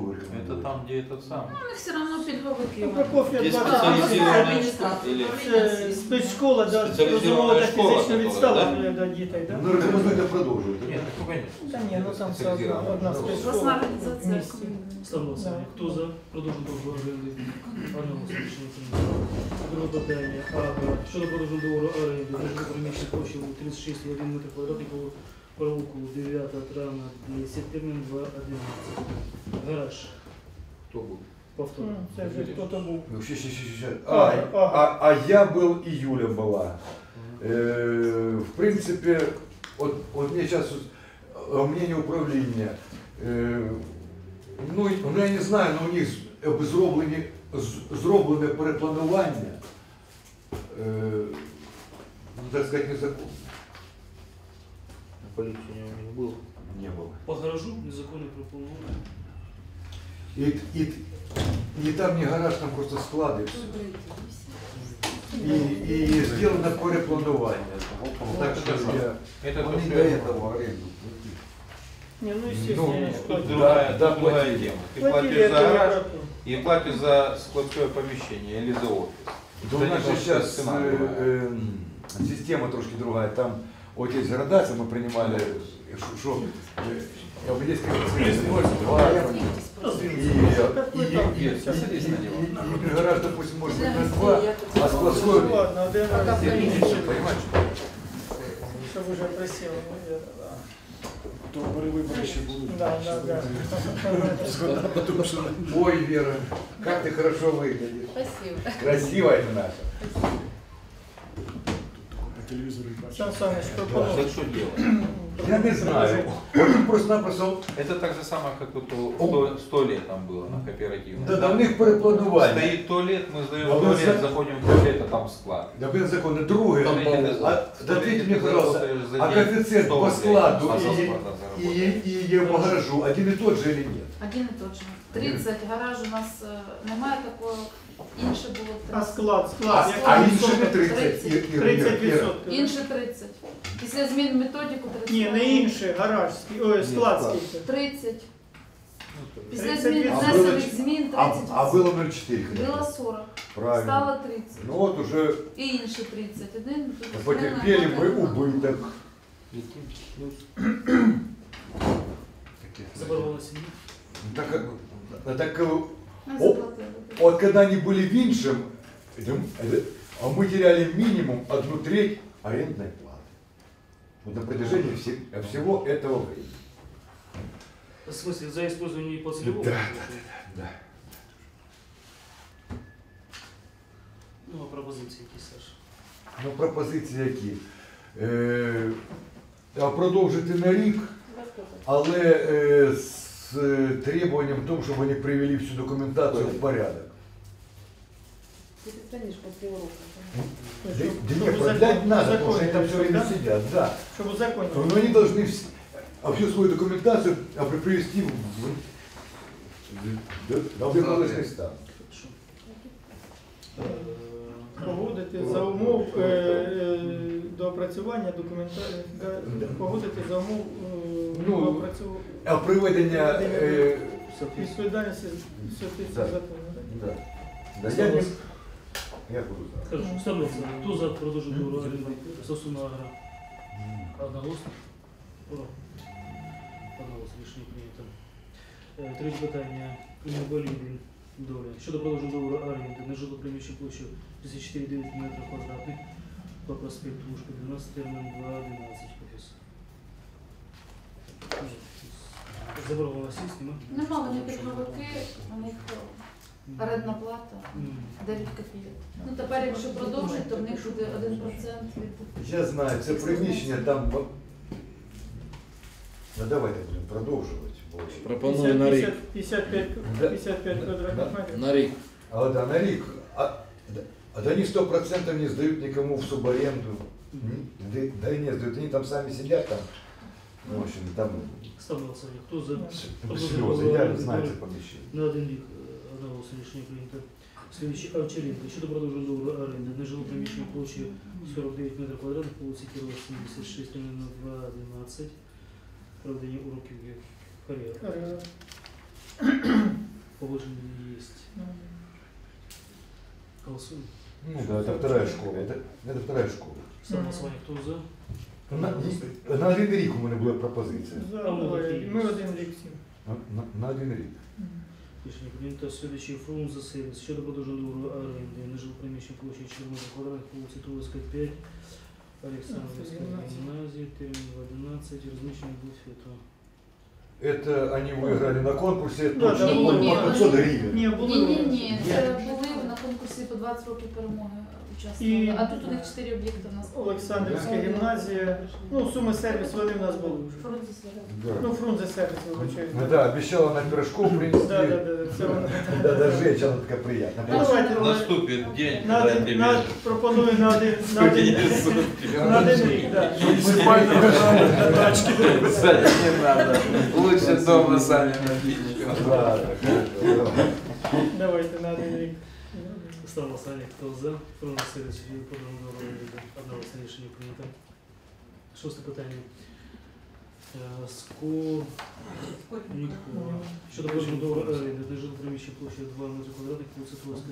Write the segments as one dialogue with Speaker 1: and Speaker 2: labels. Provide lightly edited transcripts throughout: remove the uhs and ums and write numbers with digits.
Speaker 1: договор.
Speaker 2: Это там, где этот самый.
Speaker 3: Ну, все равно пільговики.
Speaker 4: Ну, Прокоф'я
Speaker 2: Є
Speaker 4: 20.
Speaker 2: спеціалізована
Speaker 3: Адміністрація.
Speaker 4: Це спецшкола, да,
Speaker 2: Спеціалізована
Speaker 4: дозволена
Speaker 2: школа,
Speaker 4: фізично
Speaker 2: которая,
Speaker 4: відстала для дітей, да?
Speaker 1: Ну, рекомендуйте продовжувати.
Speaker 2: Нет, ну конечно.
Speaker 4: Та ні, ну там все одна
Speaker 3: Власна
Speaker 4: спецшкола.
Speaker 3: організація.
Speaker 5: Ставлю голосування. Хто за? Продовжуємо договору оренди. Одноголосно рішення прийнято. Друге питання. Щодо продовження договору оренди на приміщення площею 36,1 метр квадратний по провулку 9 травня 10, термін 2.11. Гараж.
Speaker 2: Кто будет?
Speaker 5: Повтор.
Speaker 4: Це вже хто-то був.
Speaker 1: Ну, щас.
Speaker 4: Ага.
Speaker 1: А я был, и Юля была. В принципе, вот мне сейчас мнение управления. Ну, я не знаю, но у них зроблене перепланування, так сказать, незаконно.
Speaker 2: На полицию не было.
Speaker 1: Не было.
Speaker 5: По гаражу незаконне перепланування.
Speaker 1: И там не гараж, там просто склады. И сделано перепланування. Так что
Speaker 2: Это то,
Speaker 1: он не
Speaker 2: что
Speaker 1: до
Speaker 2: я-
Speaker 1: этого аренду.
Speaker 4: Ні, ну, естественно, я не
Speaker 2: Тут
Speaker 4: платив.
Speaker 2: другая,
Speaker 1: да,
Speaker 2: тут другая
Speaker 1: платили.
Speaker 2: тема. Ты
Speaker 4: Платили,
Speaker 2: платишь за
Speaker 4: это
Speaker 2: гараж
Speaker 4: я
Speaker 2: и платишь за складское помещение или за офис.
Speaker 1: Да у нас же сейчас система трошки другая. Там вот есть градация, мы принимали, что Объединская и гараж, допустим, может быть на 2, а складской...
Speaker 4: Ну, ладно, один раз.
Speaker 1: Понимаешь?
Speaker 4: Щоб уже присіло, мабуть, да.
Speaker 6: То перевибори ще будуть.
Speaker 4: Да.
Speaker 6: Тому що
Speaker 1: Ой, Вера, как ты хорошо выглядишь.
Speaker 3: Спасибо.
Speaker 1: Красивая ты наша.
Speaker 6: по телевізору і бачать.
Speaker 4: Сан Саныч, пропонуй.
Speaker 2: Так что делать?
Speaker 1: Я не знаю. Вот просто-напросто...
Speaker 2: Это так же самое, как вот 100 лет там было на кооперативном.
Speaker 1: Да, в них перепланування.
Speaker 2: Стоит туалет, мы сдаем
Speaker 1: А вы
Speaker 2: туалет,
Speaker 1: за-
Speaker 2: заходим в туалет, а там склад.
Speaker 1: Да, блин, законы. Другое.
Speaker 2: Смотрите,
Speaker 1: Да ответьте мне,
Speaker 2: ты
Speaker 1: пожалуйста,
Speaker 2: заработаешь за
Speaker 1: а
Speaker 2: день
Speaker 1: коэффициент
Speaker 2: 100
Speaker 1: по
Speaker 2: рублей,
Speaker 1: складу
Speaker 2: а за
Speaker 1: и
Speaker 2: склада заработаешь.
Speaker 1: по гаражу один и тот же или нет?
Speaker 3: Один і тот же. 30, гараж у нас немає такого, інше було
Speaker 4: А
Speaker 3: 30.
Speaker 4: склад,
Speaker 1: А
Speaker 4: який
Speaker 1: інші не
Speaker 4: відсоток?
Speaker 1: 30.
Speaker 4: 30%.
Speaker 3: Інше 30. Після змін методику 30.
Speaker 4: Ні, не інше, гараж, ой, склад
Speaker 1: склад.
Speaker 4: скільки.
Speaker 3: 30. Після
Speaker 4: 30%.
Speaker 3: змін
Speaker 1: А
Speaker 3: внесених змін 30.
Speaker 1: А было 0,4.
Speaker 3: Було 40.
Speaker 1: Правильно.
Speaker 3: Стало 30.
Speaker 1: Ну вот уже
Speaker 3: І інше 30. Один.
Speaker 1: потерпели мы убыток.
Speaker 5: Заборгованість сім'ї.
Speaker 1: Так,
Speaker 3: Ми заплатили.
Speaker 1: вот когда они были виншим, а мы теряли минимум 1/3 арендной платы. Вот на протяжении всего этого времени.
Speaker 5: В смысле, за использование по целевому?
Speaker 1: Да, да.
Speaker 5: Ну, а пропозиції які, Саша?
Speaker 1: Ну, пропозиції які? Продовжити на рік, але з требуванням тому, щоб вони привели всю документацію в порядок.
Speaker 7: Ты станешь после урока.
Speaker 1: Да не, продлять надо, потому что они там все время сидят, да.
Speaker 4: Щоб узаконити.
Speaker 1: Но они должны всю свою документацию привести в образовательный стан.
Speaker 4: Погодити за умов доопрацювання документації, погодити за умов
Speaker 1: Ну,
Speaker 4: доопрацювання
Speaker 1: А приведення...
Speaker 4: відповідальності соответственно
Speaker 1: Да.
Speaker 4: закону.
Speaker 1: Да. Да, я буду знать.
Speaker 5: Хорошо, ставлю голосування. Хто за продовження договору оренди Сосуна Агро? Одноголосно? Ура. Одноголосно, рішення прийнято. Третє питання. Інвалідів доля. Щодо продовження договору оренди на жило приміщення площею 34,9 метрів квадратних по проспекту Лужка 12, термін 2.11. Заборгованість є, нема?
Speaker 3: Нема, вони пільговики, у них орендна плата 9 копійок. Ну тепер, якщо продовжить, то в них буде 1% від...
Speaker 1: Я знаю, це приміщення там... Ну давайте будемо продовжувати.
Speaker 6: Пропоную на рік.
Speaker 4: 55 квадратних метрів.
Speaker 6: На рік.
Speaker 1: А да, на рік. А да они 100% не сдают никому в субаренду. Да и не сдают, они там сами сидят там. Ну, в общем, там
Speaker 5: Ставлю голосування. Хто за
Speaker 1: слезы, я знаю это помещение.
Speaker 5: на один рік одного рішення прийнято. Слідчий Овчаренко. Щодо продовження договору оренди на жило приміщення площею 49 метрів квадратних по вулиці Кирова 76, на 2.11. Проведення уроків кар'єри. Положение есть. Голосуем.
Speaker 1: Ну да, это вторая школа. Это вторая школа.
Speaker 5: Согласование. Кто за?
Speaker 1: На один рік у мене була пропозиція.
Speaker 4: Ми один рік всім.
Speaker 1: На один рік.
Speaker 5: Рішення прийнято. Слідуючий фронт за сервіс. Щодо продовження договору оренди на жилприміщення площі 4 квадратних вулиці Туловська, 5, Олександрівська гімназія, термін 11, розміщення буфету.
Speaker 1: Это они выиграли на конкурсе,
Speaker 4: Да,
Speaker 1: точно
Speaker 4: да,
Speaker 1: было
Speaker 3: не,
Speaker 1: по 500 гривен.
Speaker 4: Ні, були.
Speaker 3: Ні, це були на конкурсі по 20 років перемоги участвували.
Speaker 4: І-
Speaker 3: А тут у них 4 об'єкти у нас.
Speaker 4: Олександрівська гімназія. Ну, суми сервіс вони в нас були вже.
Speaker 3: Фронті Святого.
Speaker 1: Да.
Speaker 4: Ну, Фрунзе сервіс, вибачаю.
Speaker 1: Ну да, обещала на пирожков принести.
Speaker 4: Да, це вона.
Speaker 1: Да, даже женщина она такая приятная.
Speaker 4: Ну, давайте,
Speaker 2: Наступит день,
Speaker 4: на
Speaker 2: когда
Speaker 4: один,
Speaker 2: тебе
Speaker 4: пропоную на один рік, да.
Speaker 2: Кстати, не надо. Лучше дома сами напить.
Speaker 1: Да, да, хорошо.
Speaker 4: Давайте на один рік.
Speaker 5: Ставлю голосування. Хто за? Фронт сервіс. Щодо продовження договору оренди. Одноголосне рішення прийнято. Шосте питання. Скорнікова. Щодо продовження договору оренди на жилприміщення площі 2 метри квадратних, вулиця Туловська,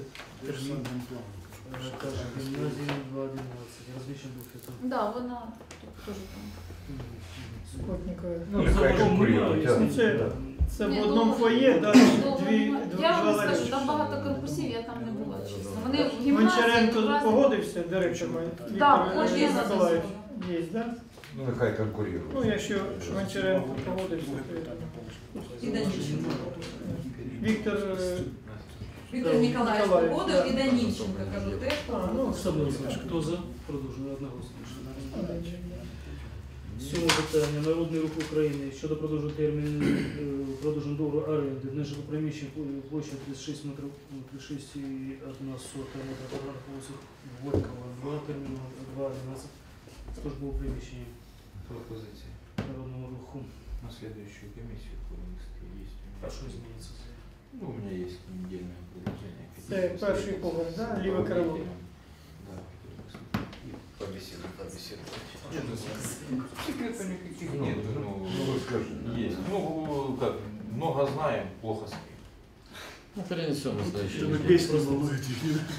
Speaker 5: каже гімназія 211. Розміщення буфету.
Speaker 3: Да, вона тут теж там.
Speaker 4: Скотникова.
Speaker 1: Ну, нехай конкурирують, а.
Speaker 4: Ну, це в
Speaker 3: Ні,
Speaker 4: одному
Speaker 3: довго-
Speaker 4: фоє, да,
Speaker 3: довго
Speaker 4: дві,
Speaker 3: немає.
Speaker 4: два
Speaker 3: Я вам скажу,
Speaker 4: ларіки.
Speaker 3: там багато корпусів, я там не була, чесно. Вони в гімназії
Speaker 4: Гончаренко
Speaker 3: якраз-
Speaker 4: погодився, директор
Speaker 3: Так,
Speaker 4: Віктор
Speaker 3: кожен
Speaker 4: Миколаївич. Є, да?
Speaker 1: Ну, нехай конкурируют.
Speaker 4: Ну, якщо Гончаренко погодився, то
Speaker 8: І Данільченко.
Speaker 4: Віктор,
Speaker 8: Віктор Ніколаєвич
Speaker 4: Ніколаєвич,
Speaker 8: погодив
Speaker 4: да.
Speaker 8: і Данільченко, кажу, теж погодив.
Speaker 5: Ставлю голосування. Хто за? Продовження одноголосне рішення. Сьоме питання. Народний рух України щодо продовження терміну продовження договору оренди на жилоприміщення площа 36 метрів, 36,1 метра квадратних вулиці Горького, 2, терміну 2.11, службове приміщення
Speaker 2: Пропозиции
Speaker 5: Народному руху.
Speaker 2: на следующую комиссию вынести есть.
Speaker 5: А що зміниться?
Speaker 2: Ну, у меня есть недельное предложение.
Speaker 4: це перший погляд, да? Ліве крило.
Speaker 2: Да. И побеседовать. Секретов никаких нет.
Speaker 1: Ну, скажи.
Speaker 2: Есть. Ну, как, много знаем, плохо спим.
Speaker 6: Ну, перенесем на следующий Чтобы день. песню волнуете.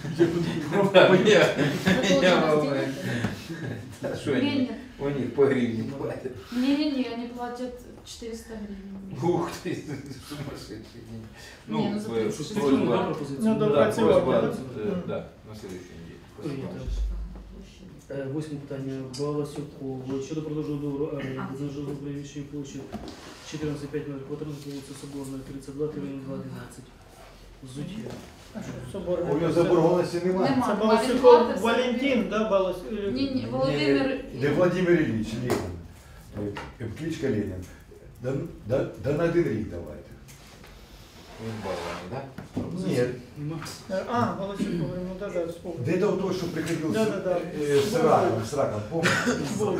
Speaker 2: Я волнуюсь. Что
Speaker 3: Ні,
Speaker 2: они?
Speaker 3: ні.
Speaker 2: У них по гривне платят.
Speaker 3: Не-не-не, они платят 400 гривен.
Speaker 2: Ух ты, сумасшедший день.
Speaker 3: Не, ну за 36
Speaker 5: Підтримуємо, да,
Speaker 2: просьба,
Speaker 5: пропозицію?
Speaker 4: Ну,
Speaker 2: да,
Speaker 4: допрацювати,
Speaker 2: просьба,
Speaker 4: да?
Speaker 2: да, на следующей неделе.
Speaker 5: Прийнято. Восьме питання. Баласюков. Щодо продовження договору оренди на жилому приміщенні площі 14,5 метрів квадратних, вулиця Соборна, 32, термін 2.11. Зуття.
Speaker 4: А що, соборний?
Speaker 1: У нього заборгованості немає.
Speaker 3: Нема.
Speaker 4: Це
Speaker 3: Він
Speaker 4: Баласюков
Speaker 3: платить
Speaker 4: Валентин, да,
Speaker 3: Ні-ні, Володимир...
Speaker 1: Не Владимир Ильич Ленин. Кличка Ленин. Да на один рік давайте.
Speaker 2: Баллами, да?
Speaker 1: Нет.
Speaker 5: Нема.
Speaker 4: А, Баласюков, ну да, вспомнил.
Speaker 1: Да это вот то, что приходил
Speaker 4: Да-да-да.
Speaker 1: с раком, помните?
Speaker 4: Був.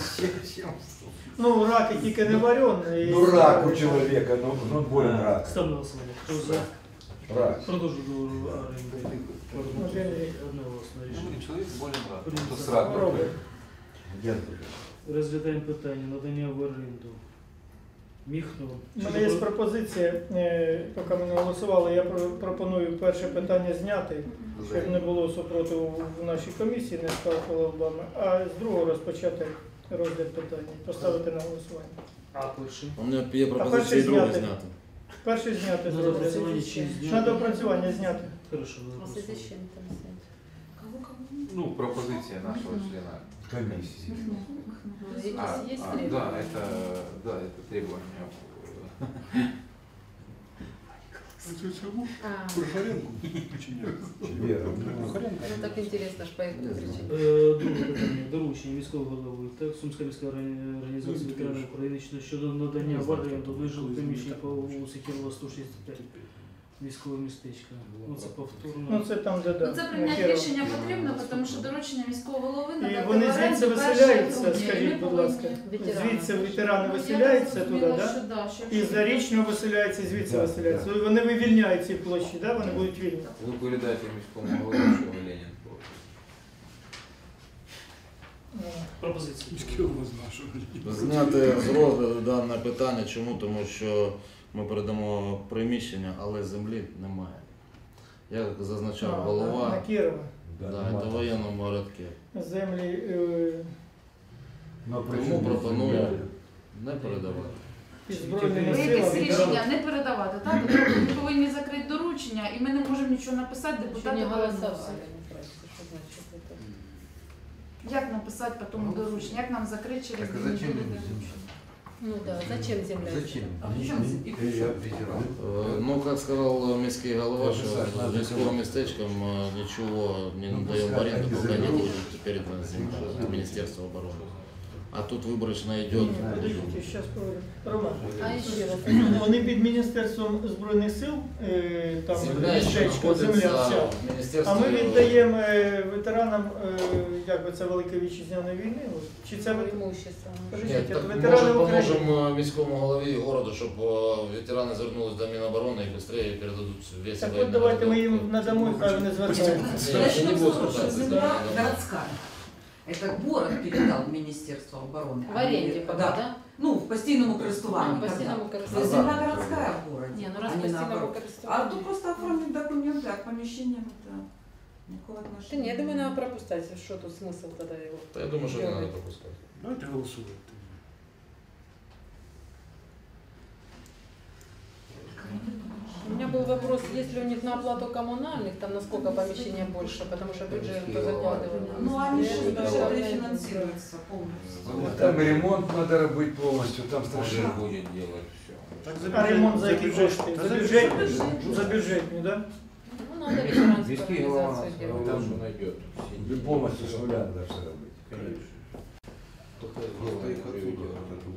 Speaker 4: Ну, раки тільки не варені.
Speaker 1: Ну рак у человека, ну болен рак.
Speaker 5: Ставлю на голосування. Хто за?
Speaker 1: Рак.
Speaker 5: Продовження договору оренди. Одноголосне
Speaker 2: Ну,
Speaker 5: рішення.
Speaker 2: человек болен рак.
Speaker 5: Принято.
Speaker 2: Кто с раком.
Speaker 4: Хвороби.
Speaker 1: Я тоже.
Speaker 5: Розглядаємо питання надання в оренду. Міхно.
Speaker 4: У мене є пропозиція, поки ми не голосували, я пропоную перше питання зняти, щоб не було супротиву в нашій комісії, не скалкували лбами, а з другого розпочати розгляд питання, поставити на голосування.
Speaker 5: А перший.
Speaker 6: У меня є
Speaker 4: перший
Speaker 6: пропозиції друге
Speaker 4: зняти.
Speaker 6: зняти.
Speaker 4: Перше зняти з
Speaker 5: На
Speaker 4: розгляду.
Speaker 5: допрацювання чи зняти?
Speaker 4: На допрацювання зняти.
Speaker 5: Хорошо, на
Speaker 7: А в связи с
Speaker 5: допрацювання.
Speaker 7: чем там снять?
Speaker 3: Кого?
Speaker 2: Ну, пропозиция нашего члена.
Speaker 1: Комиссии.
Speaker 3: Есть
Speaker 2: Да,
Speaker 3: требования?
Speaker 2: это требование.
Speaker 7: А,
Speaker 6: Куршаренку? Чи ні?
Speaker 1: Вера.
Speaker 7: ну так интересно, аж поехали кричать.
Speaker 5: Друге питання. Доручення міського голови та Сумська міська організація ветеранів України щодо надання в оренду вижилих приміщень по вулиці Кирова 165. Військове містечко. Ну це повторно.
Speaker 4: Ну це там, де,
Speaker 3: Ну,
Speaker 4: да.
Speaker 3: це
Speaker 4: на
Speaker 3: прийняти
Speaker 4: Кирова.
Speaker 3: рішення потрібно, тому що доручення міського голови
Speaker 4: І
Speaker 3: надати
Speaker 4: вони
Speaker 3: в оренду
Speaker 4: звідси
Speaker 3: 1
Speaker 4: виселяються,
Speaker 3: грудня, і
Speaker 4: скажіть,
Speaker 3: ми
Speaker 4: будь
Speaker 3: повинні-
Speaker 4: ласка.
Speaker 7: Ветерани.
Speaker 4: Звідси ветерани
Speaker 3: Ну, я
Speaker 4: виселяються
Speaker 3: так
Speaker 4: туди,
Speaker 3: зрозуміла,
Speaker 4: так?
Speaker 3: що да, що
Speaker 4: І
Speaker 3: якщо-
Speaker 4: зарічного виселяються, і звідси
Speaker 1: Да,
Speaker 4: виселяються.
Speaker 1: да.
Speaker 4: Вони вивільняють ці площі, да? Вони будуть вільні.
Speaker 2: Вы передайте міському голові, що Ленин против.
Speaker 5: Пропозиції.
Speaker 6: Міський голова знав, що Зняти з розгляду дане питання. Чому? Тому що ми передамо приміщення, але землі немає. Як зазначав голова,
Speaker 4: На Кірова.
Speaker 6: це в воєнному городку.
Speaker 4: Землі
Speaker 1: Но
Speaker 6: Тому пропоную не передавати.
Speaker 4: під Збройними
Speaker 3: Ви якесь
Speaker 4: силами.
Speaker 3: рішення не передавати, так? Тобто ми повинні закрити доручення, і ми не можемо нічого написати,
Speaker 7: Еще
Speaker 3: депутати
Speaker 7: не
Speaker 3: голосували.
Speaker 7: голосовали. Неправильно, что значит это?
Speaker 3: Як написати по тому дорученню? Як нам закрити через
Speaker 2: Так а
Speaker 3: дві
Speaker 2: зачем
Speaker 3: неділі
Speaker 2: им
Speaker 3: доручення?
Speaker 7: Ну да, зачем земля?
Speaker 2: Зачем?
Speaker 8: А при чому і при чому?
Speaker 6: Ну, як сказав міський голова, що з військовим містечком нічого не надаємо в оренду, поки не буде передана земля Міністерства оборони. А тут виборочно йде.
Speaker 4: Подождите, сейчас поговорим. Роман,
Speaker 7: А еще раз.
Speaker 4: вони під Міністерством Збройних сил, там
Speaker 6: Земля, що
Speaker 4: містечко, земля вся.
Speaker 6: знаходиться в
Speaker 4: А
Speaker 6: Міністерстві.
Speaker 4: ми віддаємо ветеранам, як би це Великої Вітчизняної війни? Чи це
Speaker 7: Имущество.
Speaker 6: Ні,
Speaker 4: Подождите,
Speaker 6: так
Speaker 4: ветерани
Speaker 6: може
Speaker 4: України?
Speaker 6: поможемо міському голові городу, щоб ветерани звернулись до Міноборони і швидше передадуть весь
Speaker 4: Так
Speaker 6: воєнний
Speaker 4: от давайте ми
Speaker 6: городок.
Speaker 4: їм надамо, хай вони звертаються.
Speaker 6: Ні, я не буду
Speaker 8: Начнем с того, что
Speaker 6: звертатися.
Speaker 8: земля городская. Это город передал в Министерство обороны.
Speaker 7: В аренде пока, да?
Speaker 8: Ну, в постійному користуванні.
Speaker 7: А, постійному
Speaker 8: когда.
Speaker 7: користуванні.
Speaker 8: Земля городская в городе.
Speaker 7: Не, ну раз
Speaker 8: а не
Speaker 7: постійному
Speaker 8: наоборот.
Speaker 7: користуванні.
Speaker 8: А то просто оформить документы, а к помещениям это никакого
Speaker 7: Да
Speaker 8: отношения.
Speaker 7: нет, я думаю, надо пропускать, что тут смысл тогда его.
Speaker 6: Та я думаю, що не треба пропускати.
Speaker 5: Давайте голосувати.
Speaker 7: У меня был вопрос, есть ли у них на оплату коммунальных, там насколько помещения больше, потому что бюджет закладывали.
Speaker 8: Ну, они же
Speaker 7: Это
Speaker 8: уже
Speaker 7: главное,
Speaker 8: рефинансируются полностью.
Speaker 1: Там ремонт надо робити повністю, там
Speaker 2: Он же
Speaker 1: страшно.
Speaker 2: будет делать все.
Speaker 4: А ремонт за які кошти? За бюджетні? За бюджетні, так?
Speaker 7: Ну, надо ветеранскую
Speaker 2: Виски голова
Speaker 7: организацию делать.
Speaker 2: там же найдет.
Speaker 1: І повністю з нуля треба все робити.
Speaker 2: Только их приведет.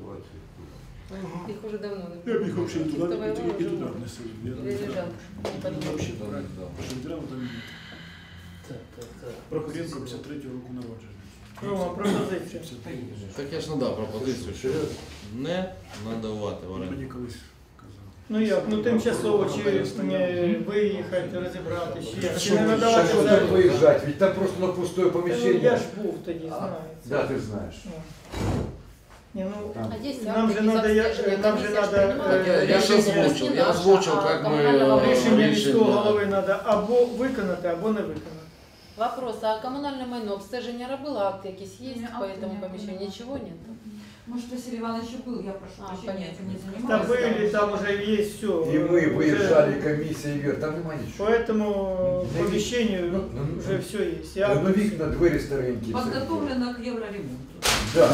Speaker 7: Их уже давно
Speaker 5: Я б їх взагалі
Speaker 7: Кто
Speaker 5: туди,
Speaker 7: воевал,
Speaker 5: і туди внесли.
Speaker 7: или лежал.
Speaker 5: Там взагалі брати. Що ветерану там Так. Прокуренко 53-го року народження.
Speaker 4: Рома, пропозиція.
Speaker 6: Так я ж надав пропозицію, що не надавати в оренду.
Speaker 5: Мені колись казав.
Speaker 4: Ну як, ну тимчасово чи виїхати, розібрати,
Speaker 1: А
Speaker 4: чи не надавати
Speaker 1: що
Speaker 4: за...
Speaker 1: там виїжджати? Ведь там просто на пустое
Speaker 4: Ну,
Speaker 1: поміщення.
Speaker 4: я ж був тоді, знаю.
Speaker 1: Да, ти знаєш.
Speaker 4: Ну. Ні, ну,
Speaker 1: Там.
Speaker 7: А есть
Speaker 4: Нам
Speaker 7: акты
Speaker 4: же надо,
Speaker 7: безобстежения,
Speaker 4: нам же
Speaker 7: комиссия
Speaker 4: надо,
Speaker 7: принимала?
Speaker 6: Так я ж
Speaker 4: рішення-
Speaker 6: озвучив, я озвучив, як ми
Speaker 4: рішення
Speaker 6: рішення.
Speaker 4: міського голови треба або виконати, або не виконати.
Speaker 7: Вопрос, а коммунальное майно обстеження робила, акты якісь есть
Speaker 3: Не,
Speaker 7: по
Speaker 3: акты
Speaker 7: этому
Speaker 3: не
Speaker 7: помещению?
Speaker 3: было.
Speaker 7: Ничего нет?
Speaker 8: Может, Василий Иванович и был, я прошу
Speaker 7: А,
Speaker 8: прощения,
Speaker 7: понятно.
Speaker 8: этим не
Speaker 4: Та
Speaker 8: занимаюсь.
Speaker 4: були, там вже є все.
Speaker 1: І ми виїжджали, комісія, вверх, там нема
Speaker 4: По
Speaker 1: нічого.
Speaker 4: этому помещению вже все есть. Я...
Speaker 1: Ну вікна, двері старенькі. все.
Speaker 8: Подготовлено к евроремонту.
Speaker 1: Да.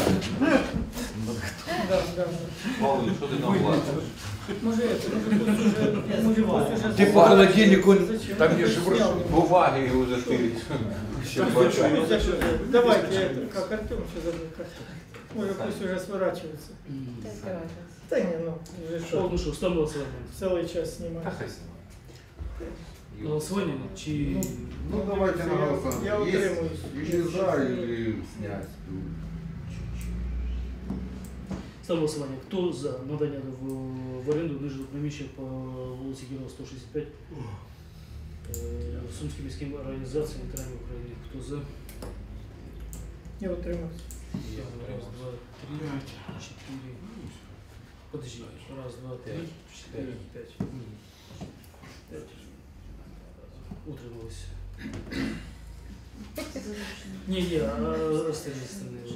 Speaker 4: Да.
Speaker 2: Павел, что ты нам платишь?
Speaker 4: Може, може, пусть уже...
Speaker 1: Ти по холодильнику,
Speaker 4: Зачем?
Speaker 1: там є
Speaker 4: Ну,
Speaker 1: ж
Speaker 4: снял.
Speaker 2: Бумаги его зашили. Все
Speaker 4: Ну, зачем? Давайте, это, как Артем все забыл. Может, пусть уже сворачивается.
Speaker 7: Какая разница?
Speaker 4: Да не, ну, уже
Speaker 5: Так,
Speaker 4: что,
Speaker 5: ну що, ставимо голосування.
Speaker 4: целый час снимать.
Speaker 5: На голосування чи...
Speaker 1: Ну, давайте на голосование.
Speaker 4: Я утримуюсь.
Speaker 1: Или за, или снять.
Speaker 5: Ставимо голосування. Хто за надання в оренду нижнього приміщення по вулиці Героя 165 Сумським міським організаціям ветеранів України? Хто за?
Speaker 4: Я утримуюсь.
Speaker 5: Раз, два, три, четыре. Подожди. Раз, два, три, четыре, пять. Пять. Утрималось. Не, а остальные.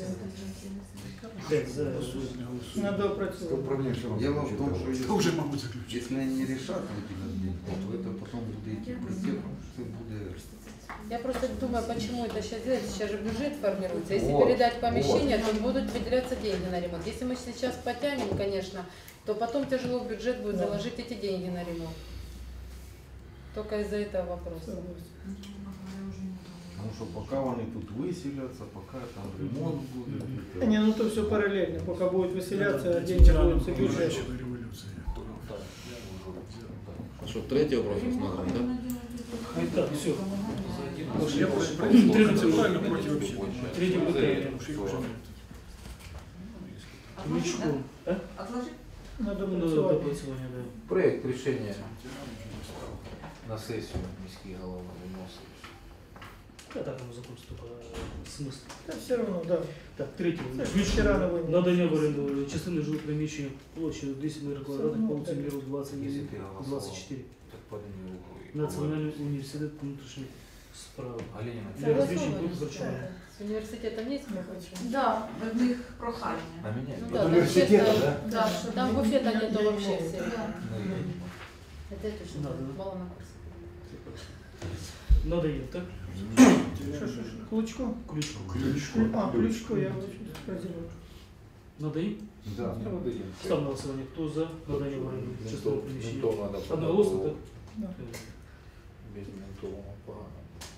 Speaker 5: Пять за.
Speaker 4: Надо опрацьовувати.
Speaker 9: Дело в том, что
Speaker 5: Хто вже, мабуть, заключити?
Speaker 9: если они не решат выделить, то это потом будет идти просек, что будет.
Speaker 7: Я просто думаю, почему это сейчас делать. Сейчас же бюджет формируется. Если
Speaker 1: Вот,
Speaker 7: передать помещение, то будут выделяться деньги на ремонт. Если мы сейчас потянем, конечно, то потом тяжело в бюджет будет
Speaker 4: Да.
Speaker 7: заложить эти деньги на ремонт. Только из-за этого вопроса.
Speaker 9: Потому что пока они тут выселятся, пока там ремонт будет.
Speaker 4: Да не, ну то все параллельно. Пока будут выселяться,
Speaker 5: Да,
Speaker 4: деньги
Speaker 5: ветеранам
Speaker 4: будут в бюджет.
Speaker 5: Оранжевой революции.
Speaker 6: Що, третього профіль надо, да?
Speaker 5: Так, все.
Speaker 2: Я
Speaker 5: Третий правильно против вообще. Третий питання. Мічко.
Speaker 8: Отложить?
Speaker 4: Надо
Speaker 5: Ну,
Speaker 4: опрацювати.
Speaker 5: допрацювання, да.
Speaker 2: Проект решения на сессию міський голова виносить.
Speaker 5: Да, так оно закончится, только смысл.
Speaker 4: Та все одно, да.
Speaker 5: Так, третє.
Speaker 4: Це ж вчора на війні.
Speaker 5: Надання в оренду частини жилих приміщень площею 10 метрів квадратних по вулиці Миру
Speaker 2: Если
Speaker 5: 24.
Speaker 2: ты голосовал,
Speaker 5: 24.
Speaker 2: так подними руку. и
Speaker 5: Національний університет внутрішніх справ.
Speaker 2: попробуй. А Ленина,
Speaker 5: Для
Speaker 2: ты
Speaker 5: различных групп харчевания.
Speaker 7: С университетом есть какой-то?
Speaker 3: Да,
Speaker 8: В них прохання.
Speaker 2: на меня?
Speaker 7: Ну
Speaker 2: Ну,
Speaker 7: да,
Speaker 1: От
Speaker 7: там
Speaker 1: університету,
Speaker 7: честно,
Speaker 1: да?
Speaker 3: да, що
Speaker 7: Там буфета нету вообще все.
Speaker 3: Да.
Speaker 2: я не помню.
Speaker 7: Это я точно
Speaker 5: Надо,
Speaker 7: знаю,
Speaker 5: да?
Speaker 7: мало на курсе.
Speaker 5: Надоел, так?
Speaker 4: Що? Клучко?
Speaker 5: Ключку.
Speaker 4: А, Ключко, я прозівав.
Speaker 5: Надоел?
Speaker 9: Да.
Speaker 5: Став на голосування. Хто за надання в оренду частини приміщення?
Speaker 2: Ментов надо
Speaker 5: Одноголосно,
Speaker 2: по-другому.
Speaker 5: так?
Speaker 4: Да.
Speaker 2: Без ментового погано.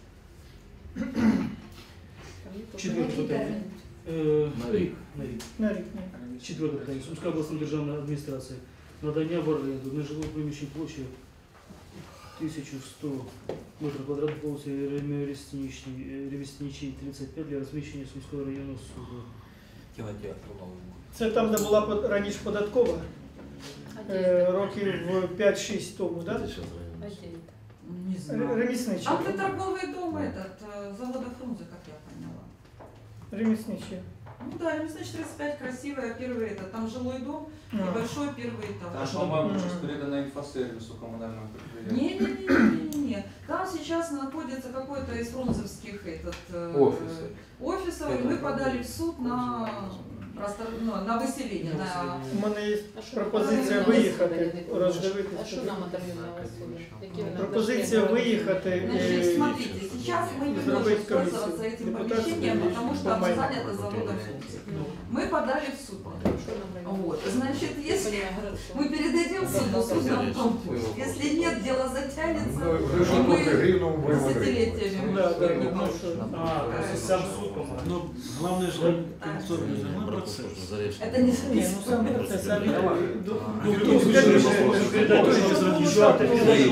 Speaker 7: Там нету.
Speaker 5: Четвертое
Speaker 3: Який
Speaker 5: питання.
Speaker 3: термін?
Speaker 5: На рік. На рік.
Speaker 4: На рік.
Speaker 5: Четверте питання. Сумська обласна державна адміністрація. Надання в оренду нежилого приміщення площею 1100 метрів квадратних по вулиці Ремесничій, 35 для розміщення Сумського районного суду.
Speaker 2: Кинотеатр новый будет.
Speaker 4: Це там, де була раніше податкова,
Speaker 7: Отдельно.
Speaker 4: років 5-6 тому, так?
Speaker 6: Это сейчас район.
Speaker 7: Отдельно.
Speaker 8: Не знаю.
Speaker 4: Ремісничі.
Speaker 8: А ты торговый дом этот, завода Фрунзе, как я поняла.
Speaker 4: Ремісничі.
Speaker 8: Ну да, Ремеснич 35, красивая, первый это, там жилой дом, небольшой первый этаж.
Speaker 2: Там, по-моему, сейчас передано инфосервису коммунального предприятия.
Speaker 8: Не-не-не, там сейчас находится какой-то из фрунзовских
Speaker 2: Офисы.
Speaker 8: офисов, и мы подали в суд на, на выселение, на...
Speaker 4: У мене є
Speaker 7: А що
Speaker 4: пропозиція
Speaker 7: нам
Speaker 4: виїхати,
Speaker 7: районного суду?
Speaker 4: роздивитися.
Speaker 7: А що нам от районного суду? Які ви нам
Speaker 4: Пропозиція
Speaker 7: дошли?
Speaker 4: виїхати.
Speaker 8: Значит, смотрите, сейчас мы не можем пользоваться этим помещением, потому что оно занято заводом Фрунзе. Мы подали в суд.
Speaker 7: Що нам районного
Speaker 8: Вот,
Speaker 7: суду?
Speaker 8: значит, если
Speaker 7: Понимаю, городского.
Speaker 8: мы передадим суду, суд нам помнит. Если нет, дело затянется,
Speaker 1: Ну,
Speaker 8: и
Speaker 1: вже
Speaker 8: мы
Speaker 1: гривну будемо говорити.
Speaker 8: десятилетиями
Speaker 4: Да,
Speaker 8: будем
Speaker 4: да,
Speaker 8: не
Speaker 4: ну
Speaker 8: получим.
Speaker 4: що.
Speaker 5: А, сам суд, по-моему.
Speaker 10: Ну, главное, что концовный
Speaker 6: Можно
Speaker 10: процесс.
Speaker 6: заречный.
Speaker 8: Это не
Speaker 4: Ні, ну сам це самі.
Speaker 5: Ну, в том случае, что передать то, что разрешат,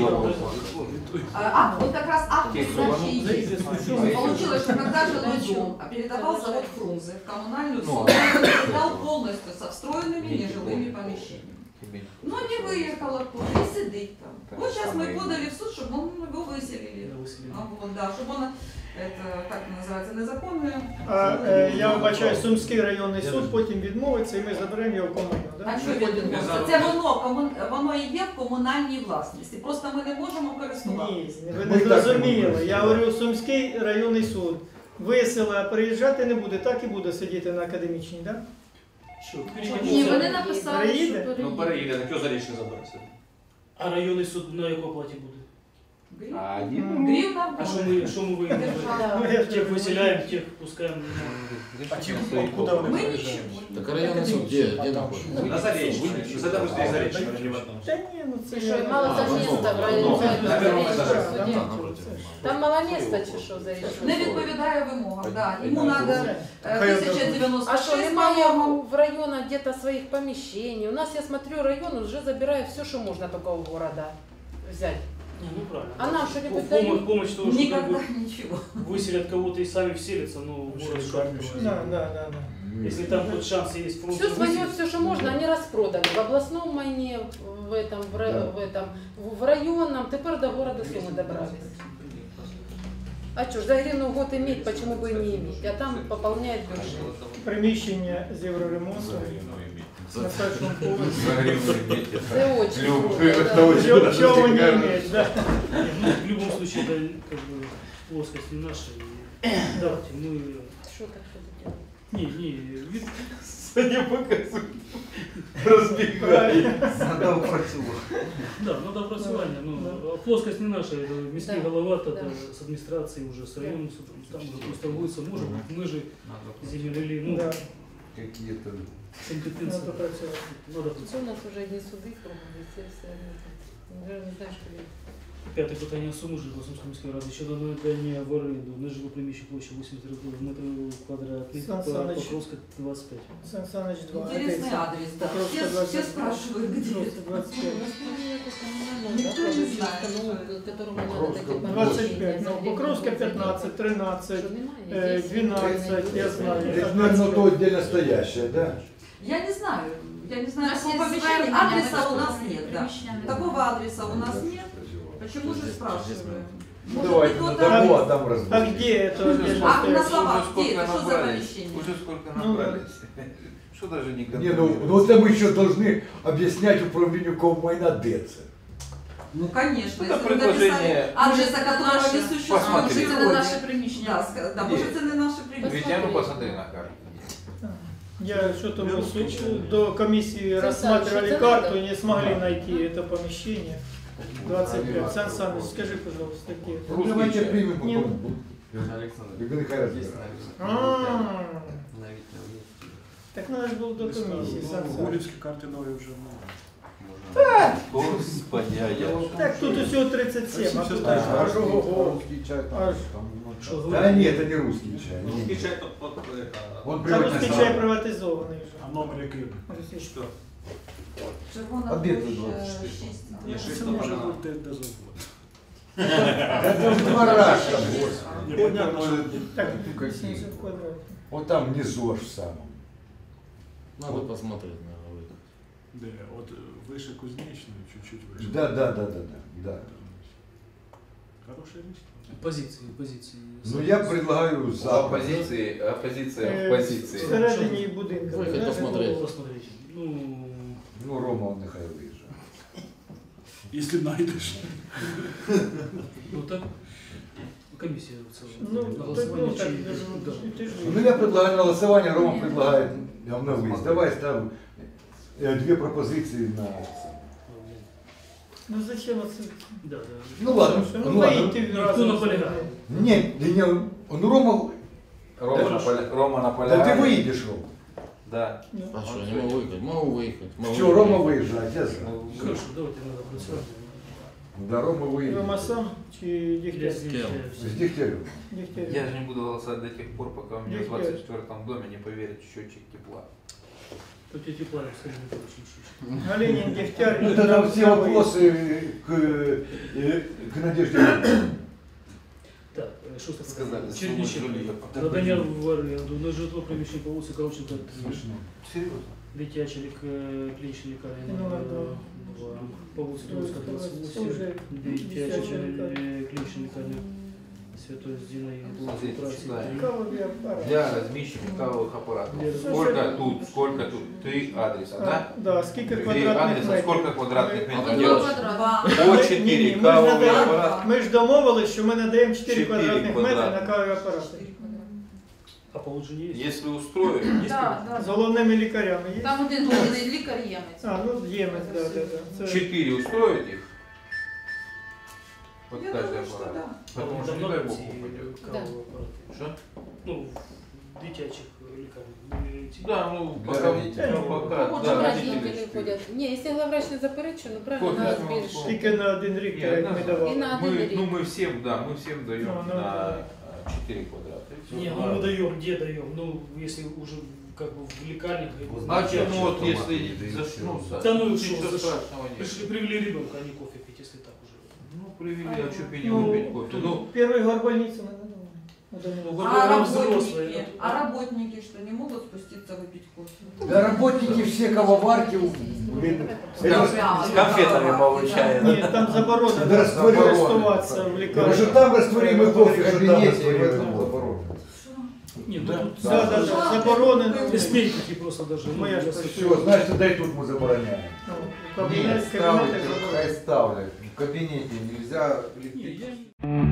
Speaker 8: Вот как раз акт передачи и есть. Получилось, что когда жилой дом передавал завод Фрунзе в коммунальную собственность, он передал полностью со встроенными нежилыми помещениями. Но не выехал оттуда и сидит там. Вот сейчас мы подали в суд, чтобы он его выселили. Вот, да, чтобы он, это, как это называется, незаконное.
Speaker 4: А я вбачаю, Сумський районний суд потім відмовиться і ми заберемо його в комуну.
Speaker 8: А
Speaker 4: Да?
Speaker 8: що відбувається? Це воно і є в комунальній власності. Просто ми не можемо
Speaker 4: Ні,
Speaker 8: користуватися.
Speaker 4: ви не зрозуміли. Я говорю, Сумський районний суд виселе, а приїжджати не буде, так і буде сидіти на академічній, так?
Speaker 3: Ні, вони написали,
Speaker 4: Переїде?
Speaker 3: що переїде.
Speaker 10: Ну, переїде, так його за річне забереться.
Speaker 5: А районний суд на якій оплаті буде?
Speaker 8: Гривна
Speaker 5: А
Speaker 8: буде.
Speaker 5: що ми виїдемо?
Speaker 4: Ну, я
Speaker 5: Тех выселяем, тех пускаем.
Speaker 10: Куда вони
Speaker 8: Ми
Speaker 10: приїжджають?
Speaker 8: нічого.
Speaker 6: Так районный суд где находится?
Speaker 10: На Заречной. За допустим, Заречной, не в одном.
Speaker 4: Та ні, ну це
Speaker 7: Чи
Speaker 4: я-
Speaker 7: що, мало там міста в районі?
Speaker 10: На первому
Speaker 4: Так,
Speaker 10: етажі.
Speaker 4: да,
Speaker 7: Суді?
Speaker 6: напротив.
Speaker 7: Там мало міста чи що за
Speaker 8: Не відповідає вимогам, да. Йому треба
Speaker 4: Хай
Speaker 8: 1096
Speaker 7: А что, немає
Speaker 8: по-моєму.
Speaker 7: в районах где-то своих помещений? У нас, я смотрю, район уже забирает все, что можно только у города взять.
Speaker 5: Не, ну правильно.
Speaker 7: А нам что-нибудь дают?
Speaker 5: Помощь того, что как
Speaker 8: Никогда
Speaker 5: бы
Speaker 8: ничего.
Speaker 5: выселят кого-то и сами вселятся, ну, город что откроется.
Speaker 4: Да, да, да, да.
Speaker 5: Если там хоть шанс есть фронт.
Speaker 7: Все свое, все, что можно, они распродали. В областном майне, в этом, в районном, теперь до города Сумы добрались. А что ж, за гривну в год иметь, почему бы и не иметь? А там пополняет бюджет.
Speaker 4: Приміщення з євроремонту на першому поверсі.
Speaker 7: Это очень
Speaker 1: Любые,
Speaker 7: круто, да.
Speaker 4: Чого не иметь, да?
Speaker 5: Ну, в любом случае, это как бы плоскость не наша. И давайте мы...
Speaker 7: Что так что-то делать?
Speaker 5: Не, вид-
Speaker 1: не показують. Розбігає.
Speaker 9: Надо працювати.
Speaker 5: да, надо опрацевание. Ну, плоскость не наша, это міський
Speaker 7: Да.
Speaker 5: голова, тогда
Speaker 7: Да.
Speaker 5: с администрацией уже, с районным судом, там уже просто торгуется, может быть, мы же землели, ну,
Speaker 4: Да,
Speaker 9: Какие-то
Speaker 5: компетенции.
Speaker 4: надо працювати.
Speaker 5: Надо
Speaker 7: Что у нас уже одни суды кругом, все. Даже не знаю, что делать.
Speaker 5: П'яте питання суми житла Сумської міської ради щодо надання в оренду нежило приміщення площі 8 метрів квадратних
Speaker 4: Сан
Speaker 5: по
Speaker 4: Саныч.
Speaker 5: Покровська 25.
Speaker 4: Сан Саныч 2.
Speaker 8: Интересный адрес, да.
Speaker 4: Покровская
Speaker 8: Все
Speaker 4: 25.
Speaker 8: спрашивают, где
Speaker 4: Покровская
Speaker 8: это.
Speaker 4: 25.
Speaker 8: Никто не знает.
Speaker 7: Которому надо такие
Speaker 4: 25, ну, Покровська 15, 13, 12, я знаю.
Speaker 1: Это, наверное, то отдельно стоящее, да?
Speaker 8: Я не знаю. Я не
Speaker 3: У
Speaker 8: знаю,
Speaker 3: нас
Speaker 8: такого
Speaker 3: есть
Speaker 8: помещения.
Speaker 3: звернення,
Speaker 8: Адреса
Speaker 3: ми
Speaker 8: у нас
Speaker 3: просто
Speaker 8: нет, да.
Speaker 3: приміщення не
Speaker 8: Такого
Speaker 3: знаємо.
Speaker 8: адреса у нас нет. Почему же спрашиваем?
Speaker 1: Ну
Speaker 8: Может,
Speaker 1: давайте
Speaker 8: кто-то-
Speaker 1: на дому, а там
Speaker 4: А
Speaker 1: разбудите.
Speaker 4: где это?
Speaker 8: А на словах,
Speaker 2: Уже
Speaker 8: где
Speaker 2: сколько
Speaker 8: это? Что за
Speaker 2: набрались?
Speaker 8: помещение?
Speaker 2: Уже сколько
Speaker 4: Ну,
Speaker 2: набрались. Что даже не
Speaker 1: Не, ну это мы еще должны объяснять управлению Коммайна ДЭЦ.
Speaker 8: Ну, конечно,
Speaker 2: Это
Speaker 8: если вы
Speaker 2: предложение-
Speaker 8: написали адреса, которого не существует
Speaker 2: Посмотрите.
Speaker 3: Це не
Speaker 8: сегодня.
Speaker 3: наше приміщення.
Speaker 8: Да, да, может, это не наше примещение.
Speaker 2: Витя, ну посмотри на карту.
Speaker 4: Я что-то до комиссии
Speaker 3: Сан
Speaker 4: рассматривали
Speaker 3: Саныч,
Speaker 4: карту
Speaker 3: это
Speaker 4: и не смогли найти это помещение. 25. Сан Саныч, скажи, пожалуйста, где?
Speaker 1: Ну, давайте
Speaker 2: чай.
Speaker 1: примем
Speaker 4: Не,
Speaker 1: потом.
Speaker 9: Александр,
Speaker 1: И нехай разбирается.
Speaker 4: А, Так надо же было до комиссии, Сан Саныч.
Speaker 10: Гурівські карти нові вже
Speaker 2: Господи, а я что?
Speaker 4: Так тут всего 37, а тут
Speaker 1: Ага.
Speaker 4: аж ого-го.
Speaker 9: Русский чай там,
Speaker 4: Аж.
Speaker 5: Что
Speaker 1: Да
Speaker 5: говорить?
Speaker 1: нет, это не русский чай.
Speaker 10: Русский
Speaker 1: Не.
Speaker 10: чай то
Speaker 1: Он
Speaker 4: Та русский чай
Speaker 1: приватизован.
Speaker 4: приватизованный же.
Speaker 10: А номер який?
Speaker 8: Червона
Speaker 1: А де
Speaker 8: площа,
Speaker 1: тут 24?
Speaker 8: 6.
Speaker 10: Ні,
Speaker 4: Це
Speaker 10: 6
Speaker 4: може
Speaker 10: може бути де завгодно.
Speaker 1: Это в два раза.
Speaker 10: Ні, понятно, що
Speaker 4: Так, 70 квадратов.
Speaker 1: Вот там внизу аж в самом.
Speaker 6: Надо посмотреть, наверное, выйдет.
Speaker 10: де, от вище Кузнечної, чуть-чуть вище.
Speaker 1: Да. Да.
Speaker 10: Хороше місто.
Speaker 5: Позиции.
Speaker 1: Ну я предлагаю
Speaker 2: У
Speaker 1: завтра.
Speaker 2: оппозиция в позиции.
Speaker 4: Всередині будинку.
Speaker 6: Выехать
Speaker 4: знаєш,
Speaker 6: посмотреть.
Speaker 5: Посмотрите. Ну,
Speaker 1: Ну Рома он нехай виїжджає.
Speaker 10: Якщо знайдеш.
Speaker 5: ну так, комиссия в целом.
Speaker 4: Ну,
Speaker 5: На
Speaker 4: так,
Speaker 5: голосование
Speaker 4: ну, так,
Speaker 5: чи- да.
Speaker 4: ты же
Speaker 1: Ну я предлагаю на голосование, Рома предлагает на выезд. Давай ставим две пропозиции на...
Speaker 4: Ну зачем отсюда?
Speaker 5: Да.
Speaker 1: Ну ладно,
Speaker 4: Ну,
Speaker 1: ну ладно.
Speaker 4: выйти
Speaker 5: Никто
Speaker 4: разом.
Speaker 5: наполягает.
Speaker 1: Нет, да не, ну Рома,
Speaker 2: Рома на
Speaker 1: да ты выйдешь, Рома.
Speaker 2: Да.
Speaker 4: Ну,
Speaker 6: А что, не могу выехать? Могу выехать. Могу
Speaker 1: Все,
Speaker 6: выехать.
Speaker 1: Рома выезжает, я за.
Speaker 5: Хорошо, давайте надо працювати.
Speaker 1: Да, Рома выезжает.
Speaker 4: Рома сам чи Дегтярь?
Speaker 6: С кем?
Speaker 1: С Дегтярем.
Speaker 4: Дегтярь.
Speaker 2: Я же не буду голосовать до тех пор, пока у меня в
Speaker 4: Нет,
Speaker 2: 24-м доме не поверят счетчик тепла.
Speaker 5: Тут эти планы, скажи, не очень.
Speaker 4: Галенин, Дегтярь.
Speaker 1: Ну, это там все вопросы к Надежде.
Speaker 5: Так, что
Speaker 2: Сказали,
Speaker 5: Черничек.
Speaker 2: сумму жилья.
Speaker 5: Надання в оренду на житло приміщення по вулиці Кравченка,
Speaker 2: Серьезно?
Speaker 5: дитяча клінічна лікарня
Speaker 4: Ну,
Speaker 5: номер
Speaker 4: ладно.
Speaker 5: 2, по вулиці Троїцька,
Speaker 4: Уже
Speaker 5: 28, дитяча
Speaker 4: дитяча лікарня.
Speaker 5: клінічна лікарня Святої Зінаїди, по вулиці
Speaker 2: Смотрите,
Speaker 5: Праці.
Speaker 2: читаем.
Speaker 4: Кавовый аппарат.
Speaker 2: Для размещения кавовых аппаратов.
Speaker 5: Для
Speaker 2: Сколько тут? 3 адреса, да?
Speaker 4: Да, сколько
Speaker 2: 3
Speaker 4: квадратных
Speaker 2: адреса,
Speaker 4: метрів?
Speaker 2: сколько квадратных
Speaker 3: А
Speaker 2: метров
Speaker 3: тут
Speaker 2: делать?
Speaker 3: два.
Speaker 2: По
Speaker 4: Ні,
Speaker 2: 4
Speaker 4: ні,
Speaker 2: кавовые аппараты.
Speaker 4: Ми ж домовились, що ми надаємо 4
Speaker 2: 4
Speaker 4: квадратних метри
Speaker 2: квадрата.
Speaker 4: на кавові апарати.
Speaker 5: А положення є?
Speaker 2: Если устроить,
Speaker 4: З головними лікарями є?
Speaker 3: Там один головний лікар ємець.
Speaker 4: А, ну ємець, да. Це...
Speaker 2: 4 устроить их? Под
Speaker 8: Я
Speaker 2: каждый
Speaker 8: думаю, что
Speaker 2: аппарат.
Speaker 8: да.
Speaker 2: Потому что не дай бог упадет.
Speaker 5: кавові апарати.
Speaker 2: Что?
Speaker 5: Ну, в дитячих лікарнях.
Speaker 2: Да, ну
Speaker 1: Для
Speaker 2: пока,
Speaker 1: родителей.
Speaker 2: ну, пока,
Speaker 3: Вот
Speaker 2: да,
Speaker 3: родители
Speaker 2: родители.
Speaker 7: ходять. Ні, якщо главврач не заперечує, ну правильно,
Speaker 2: Кофе,
Speaker 7: треба
Speaker 2: ну,
Speaker 7: збільшити.
Speaker 4: Тільки на один рік,
Speaker 2: Нет,
Speaker 4: як
Speaker 2: да.
Speaker 4: ми
Speaker 7: І
Speaker 4: давали.
Speaker 7: на один
Speaker 2: Мы,
Speaker 7: рік.
Speaker 2: ну мы всем, да, мы всем даем
Speaker 4: Ну,
Speaker 2: на 4 квадрата. И всё.
Speaker 5: Не, ну мы даем, где даем? Ну, если уже как бы в лекарнях.
Speaker 2: Значит, ну вот
Speaker 9: Автоматы
Speaker 2: если
Speaker 9: не дают,
Speaker 2: зашнутся,
Speaker 5: Да ну и
Speaker 2: ничего
Speaker 5: что,
Speaker 2: страшного нет.
Speaker 5: Пришли, привели ребенка, а не кофе пить, если так уже.
Speaker 2: Ну, привели, а что пить не
Speaker 4: Ну,
Speaker 2: выпить кофе? Ну,
Speaker 4: Перший горбольницю ми надавали.
Speaker 5: Ну,
Speaker 8: А
Speaker 5: горбаном
Speaker 8: работники,
Speaker 5: взрослые.
Speaker 8: а работники что, не могут спуститься выпить кофе?
Speaker 1: Да работники все кавоварки, блин, это
Speaker 8: С
Speaker 10: конфетами получают.
Speaker 4: Ні, там заборонено
Speaker 1: Да, заборонено.
Speaker 4: користуватися в
Speaker 1: уже
Speaker 4: лікарні.
Speaker 1: там растворимый кофе в
Speaker 9: Что
Speaker 1: кабинете,
Speaker 9: там
Speaker 1: и в этом
Speaker 9: заборонено.
Speaker 1: заборонено.
Speaker 5: Нет,
Speaker 1: Да.
Speaker 5: ну тут
Speaker 4: Да, заборонено.
Speaker 5: эстетики просто даже. ну,
Speaker 4: Моя ж
Speaker 5: если-
Speaker 1: Все, значит, дай тут мы забороняем.
Speaker 4: Ну,
Speaker 9: Нет,
Speaker 4: кабінет,
Speaker 9: ставить,
Speaker 4: кабінети заборонено.
Speaker 9: хай ставлять. В кабинете нельзя
Speaker 5: Не,
Speaker 9: лепить.
Speaker 5: я